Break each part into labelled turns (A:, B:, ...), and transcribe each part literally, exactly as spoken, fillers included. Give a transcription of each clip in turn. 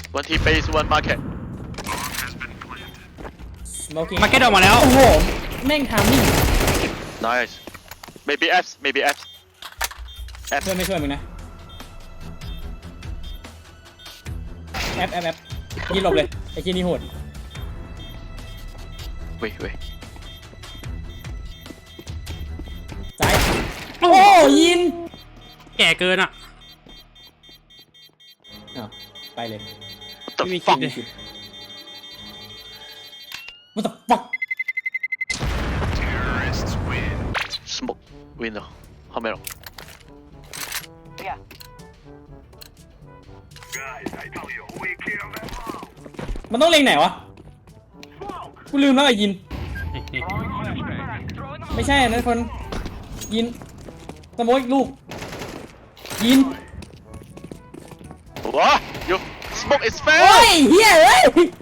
A: one T base one market
B: มาเก็ตออกมาแล้ว
C: โอ้โหแม่งทำนี่
A: nice maybe F maybe F F
C: ช่วยไม่ช่วยมึงนะแอปแอปแอปยิงหลบเลยไอ้ที่นี่โหด
A: wait wait
C: ซ้ายโอ้ยิน
B: แก่เกินอ่ะ
C: อ้าวไปเลย
A: what the
B: ไม่มี
A: fuck
B: คิดเลย
C: What the fuck
A: smoke window เข้าไม่หรอก
C: มันต้องเล็งไหนวะกูลืมแล้วไอ้ยินไม่ใช่นะคนยินสโมกอีกลูกยิน
A: ว้า you smoke is
C: โอ้
A: fair
C: ยเฮียเอ้ย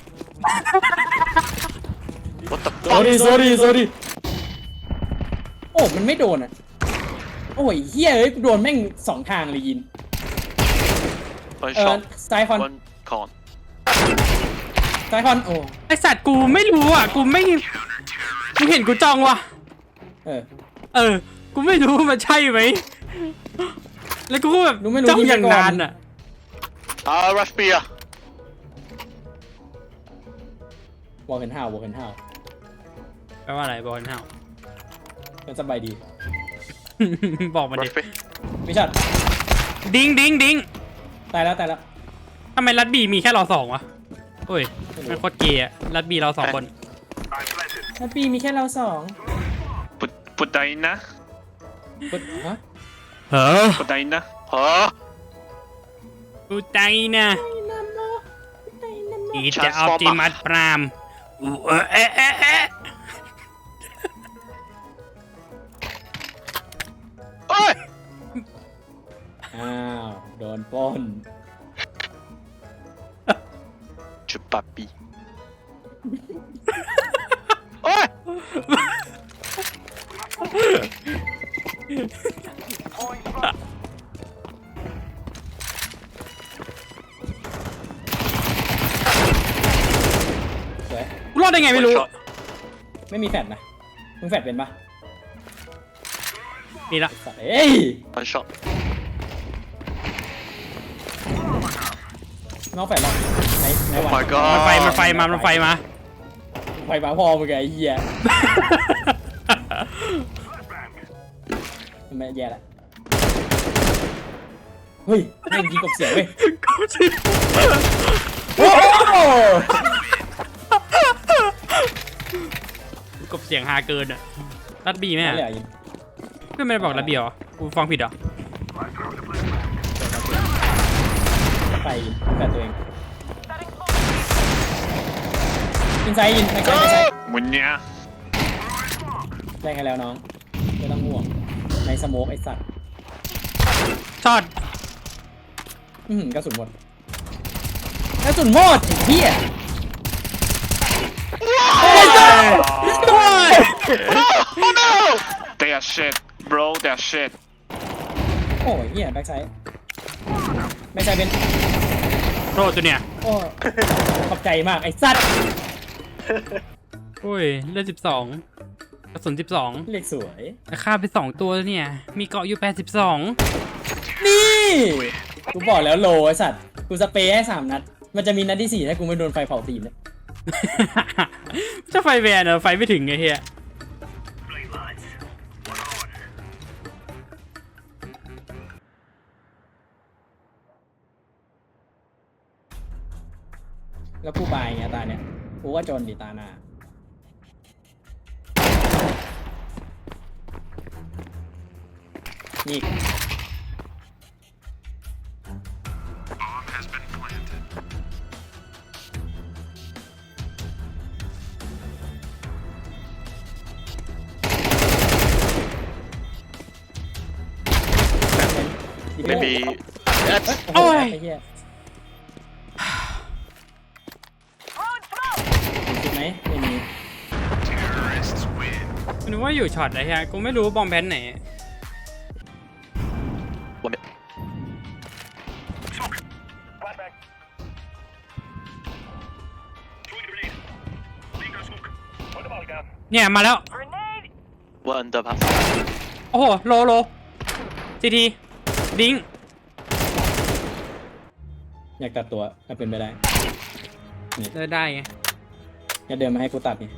A: what the fuck
C: sorry sorry sorry โอ้มันไม่โดนอ่ะโอ้ยเฮียเอ้ยโดนแม่งสองทางเลยยิน
A: one
C: เออ
A: shot
C: ซ้ายคอน
A: one con
C: ซ้ายคอนโอ้
B: ไอสัตว์กูไม่รู้อ่ะกูไม่กูเห็นกูจ้องว่ะ
C: เออ
B: เออกูไม่รู้มันใช่ไหมแล้วกูก็แบบ
C: รู้ไม่รู้
B: จ้อง
C: ยิง
B: อย่าง
C: ไปก่อน
B: นานอ่ะ
A: อ่า rush B อ่ะ
C: วอลเคนฮาววอลเคนฮาว
B: แปลว่าอะไรบอกกันเท่า
C: มันสบายดี
B: บอกมาดิ
A: rush B
C: ไม่ชัด
B: ดิ้งดิ้งดิ้ง
C: ตายแล้วตายแล้ว
B: ทำไมรัดบีมีแค่เราสองวะโอ้ยมันโคตรเกย์อะรัดบีเราสองคน
C: ถ้าปีมีแค่เราสอง
A: put put that in นะ
C: ปุ๊บฮะ
B: เฮ้อ
A: put that in นะฮะ
B: กูใจนะอีจะเอาจิมัดปรามอูเอะเอะเอะเอะ
A: เอ้ย
C: อ้าวโดนปล้น
A: จุดปับปีโอ้ย
C: สวย
B: กูรอดได้ไงไม่รู้
A: One shot
C: ไม่มีแฟดนะมึงแฟดเป็นปะ
B: นี่ละ
C: สัตว์เอ้ย
A: one shot
C: น้องแฟดหรอไหนไหน
A: oh
C: วะ
A: my god
B: มันไฟมันไฟมามันไฟมา
C: ไฟฟ้าพอมึงไงไอ้เหี้ยมันไม่แย่ละเฮ้ยแม่งยิงกบเสียงเว้ย
B: กูชิ
C: โอ้โห
B: กบเสียงฮาเกินอ่ะรัดบีไหม
C: ไม่
B: อ่ะ
C: เหลือยิง
B: เพื่อนไม่ได้บอกรัดบีเหรอกูฟังผิดเหรอ
C: ไปยิงแฟดตัวเองยิงไซด์ยิงไม่ใช่ไม่ใช่
A: มุนเนี้ย
C: แรงให้แล้วน้องไม่ต้องห่วงในสโมกไอ้สัตว์
B: ช็อต
C: อือหือกระสุนหมดกระสุนหมดไอ้เหี้ย
A: oh no they are shit bro they are shit
C: โอ้ยเหี้ยแบ็คไซด์แบ็คไซด์เป็น
B: โรดตัวเนี่ย
C: โอ้ขอบใจมากไอ้สัตว์
B: โอ้ยเลือดสิบสองกระสุนสิบสอง
C: เรียกสวย
B: ฆ่าไปสองตัวแล้วเนี่ยมีเกาะอยู่แปดสิบสอง
C: นี่กูบอกแล้วโลไอ้สัตว์กูสเปรย์ให้สามนัดมันจะมีนัดที่สี่ถ้ากูไม่โดนไฟเผาตีนเนี่ย
B: จะไฟแวนเหรอไฟไม่ถึงไงเฮีย
C: แล้วกูบายอย่างเงี้ยตาเนี่ยกูว่าจนดิตาหน้านี่
A: maybe F
C: โอ้ยไอ้เหี้ยคิดไหมไม่มี
B: ไม่รู้ว่าอยู่ช็อตอะไรฮะกูไม่รู้บอมแพนไหน
A: one minute
B: เนี่ยมาแล้ว
A: One under pass.
B: โอ้โหโลโลซีทีดิ้ง
C: อยากตัดตัวถ้าเป็นไปได้นี่
B: เดินได้ไง
C: อย่าเดินมาให้กูตัดนี่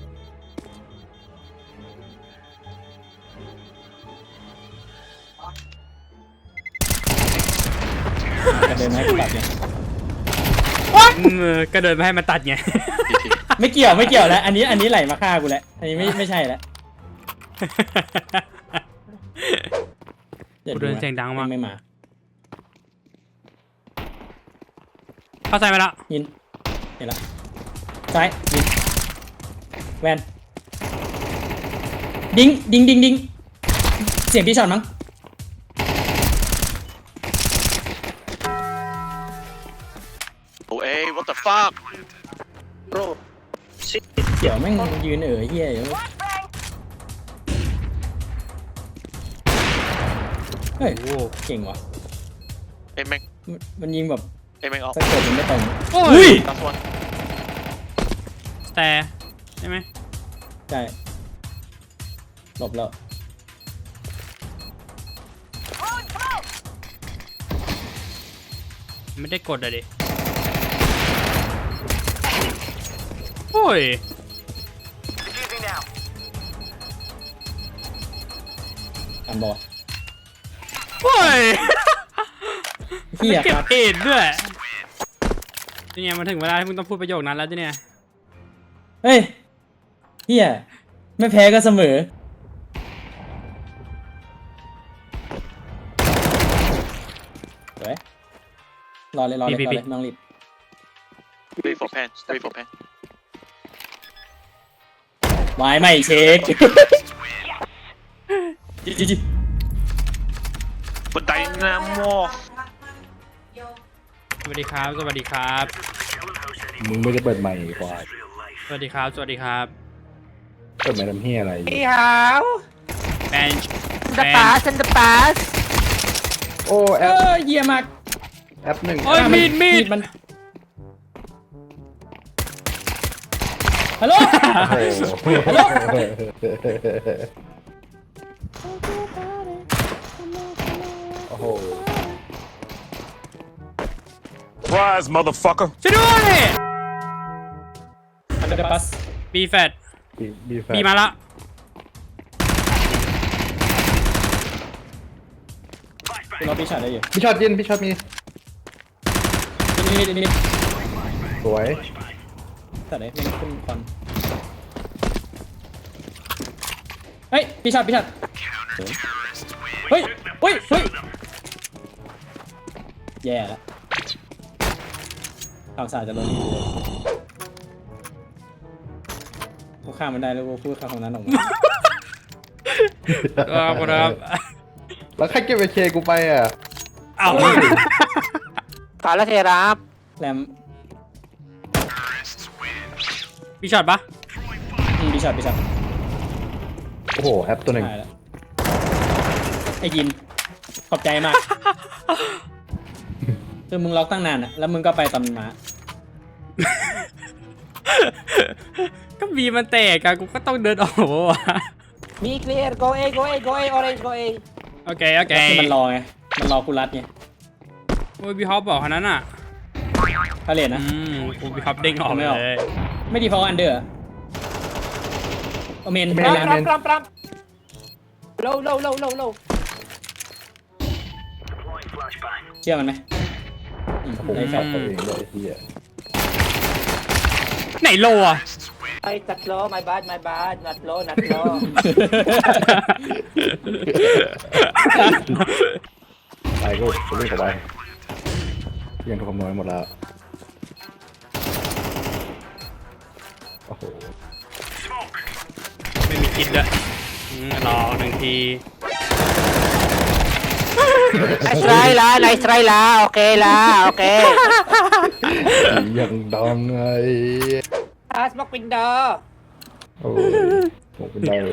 C: อย่าเดินมาให้กูตัดนี่
B: เออก็เดินมาให้มันตัดไง
C: ไม่เกี่ยวไม่เกี่ยวแล้วอันนี้อันนี้ไหลมาฆ่ากูแล้วอันนี้ไม่ไม่ใช่แล้ว
B: กูเดินเสียงดังมาก
C: ไม่มา
B: เข้าใจไหมละ
C: ยินเห็นละซ้ายยินแวนดิ้งดิ้งดิ้งดิ้งเสียงพี่ช็อตมั้ง
A: Oh, hey, what the fuck? Bro.
C: เกี่ยวแม่งยืนเอ๋อเฮียอยู่เฮ้ย
B: โอ้
C: เก่งว่ะ
A: Hey, man.
C: มันมันยิงแบบ
A: Hey, man.
C: สะกดมันไม่ตรง
B: โอ้
C: อุ้
B: ย
C: ย
A: Last one.
B: แต่ใช่ไหม
C: ใช่หลบแล้ว
B: ไม่ได้กดอะดิโอ้ย
C: อันบอล
B: โอ้ย
C: เฮีย
B: เก็
C: ค
B: บ
C: รับ
B: เอ็ดด้วยนี่ไงมาถึงเวลาที่มึงต้องพูดประโยคนั้นแล้วจ้ะเนี่ย
C: เฮ้ยเฮียไม่แพ้ก็เสมอเฮ้ยรอเลยรอเลยรอเลยน้องรีบ
A: Wait for pen. Wait for pen.
C: ไม้ไม่เช็คจิจิจิ
A: But dynamo.
B: สวัสดีครับ สวัสดีครับ
D: มึงไม่ได้เปิดใหม่กว่า
B: สวัสดีครับ สวัสดีครับ
D: เปิดใหม่ทำเฮียอะไร
E: Hey, how?
B: แบนช์
E: The past and the past.
D: โอ้แอ
C: เอ
D: ป
C: อเฮียมาก
D: แอปหนึ่ง
B: โอ้ยมีดมีด
C: มันฮัลโหล
D: โอ้โห
F: Surprise, motherfucker.
B: ช่วยด้วย
C: อันเดอร์ปัส
B: บีแฟด
D: บีบีแฟ
B: บีมาละ
C: คุณรอพี่ชาได้อยู่
D: พี่ช็อตยินพี่ช็อตมี
C: นี่นี่นี่
D: สวย
C: แต่ไหนไม่ขึ้นคอนเฮ้ยพี่ชาพี่ชาเฮ้ยเฮ้ยเฮ้ยแย่แล้วข่าวสารจะลงนี่เลยกูข้ามมันได้แล้วกูพูดคำของนั้นออกมา
B: ครับครับ
D: แล้วใครเก็บไอเคกูไปอ่ะ
B: เอา
E: Kala Serap.
C: แรม
B: มีช็อตปะ
C: อืมพี่ชาพี่ชา
D: โอ้โหแอปตัวหนึ่ง
C: หายแล้วไอ้ยินขอบใจมากคือมึงล็อกตั้งนานอะแล้วมึงก็ไปตำมา
B: ก็บีมันแตกอะกูก็ต้องเดินออกวะ
E: Be clear. Go A, go A, go A, orange, go A.
B: โอเค โอเค
C: คือมันรอไง มันรอกูรัดไง
B: โอ้ยบีฮอปบอกคนนั้นอ่ะ
C: พาเลทนะ
B: อืมกูบีฮอปเด้งออก
C: ไม่ออก
B: เลย
C: ไม่ดีเพราะอันเดอร์โอเมน
D: ไม่
E: Pram,
D: ได้
E: pram, pram, pram. Low, low, low, low, low.
C: เชื่อมันไหมอืม
D: ผม
C: ได้แฟ
D: ช็อ
C: ล
D: ตตัวเองเลยไอ้เฮีย
B: ไหนโลอะ
E: Ay, tatlo. My bad, my bad. Not low, not low.
D: ไปกูกูเล่นกับไปยังถูกคำนวณหมดแล้วโอ้โห
B: ไม่มีคิดด้วยอืมรอหนึ่งที
E: Nice try la, nice try la. Okay la, okay.
D: ยังดังไง
E: Ah, smoke window.
D: โอ้โหเป็นได้เลย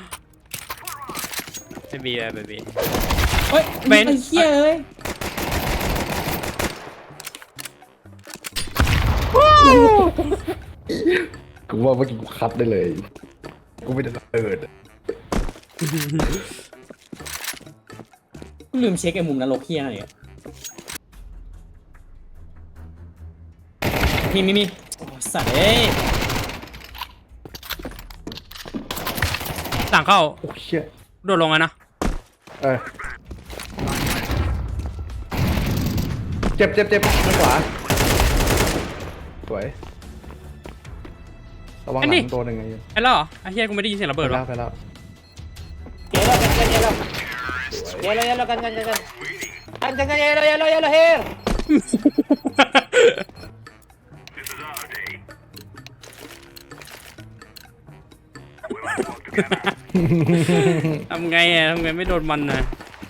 B: ไม่มีเลยไม่มี
C: เฮ้ย
B: เบน
C: ไอ้เหี้ยเอ้ย
D: กูว่าเมื่อกี้กูคัดได้เลยกูกูไม่ได้ระเบิด
C: กูลืมเช็คไอ้มุมนรกเฮียอะไรอ่ะมีมีมีโอ้สัตว์เอ้ย
B: หลังเข้า
D: โอ้เชี่ย
B: โดดลงอะนะ
D: เออเจ็บเจ็บเจ็บทางขวาสวยระวังหลังตัวหนึ่งไง
B: ไอ้แล้วเหรอไอ้เฮียกูไม่ได้ยินเสียงระ
D: ไป
B: เบิด
D: แล้ว
B: วะ
D: ไปแล้ว
E: Yellow, kan kan yellow. Yellow, yellow, kan kan kan kan. Kan kan kan yellow, yellow, yellow here.
B: ทำไงอะทำไงไม่โดนมันนะ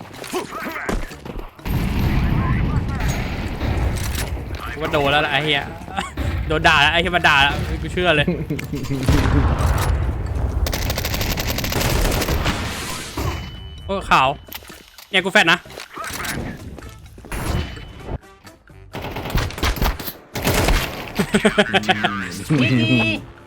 B: กูว่าโดนแล้วล่ะไอ้เฮียโดนด่าแล้วไอ้เฮียมาด่าแล้วกูเชื่อเลยโอ้ขาวเนี่ยกูแฟดนะ
E: Gigi.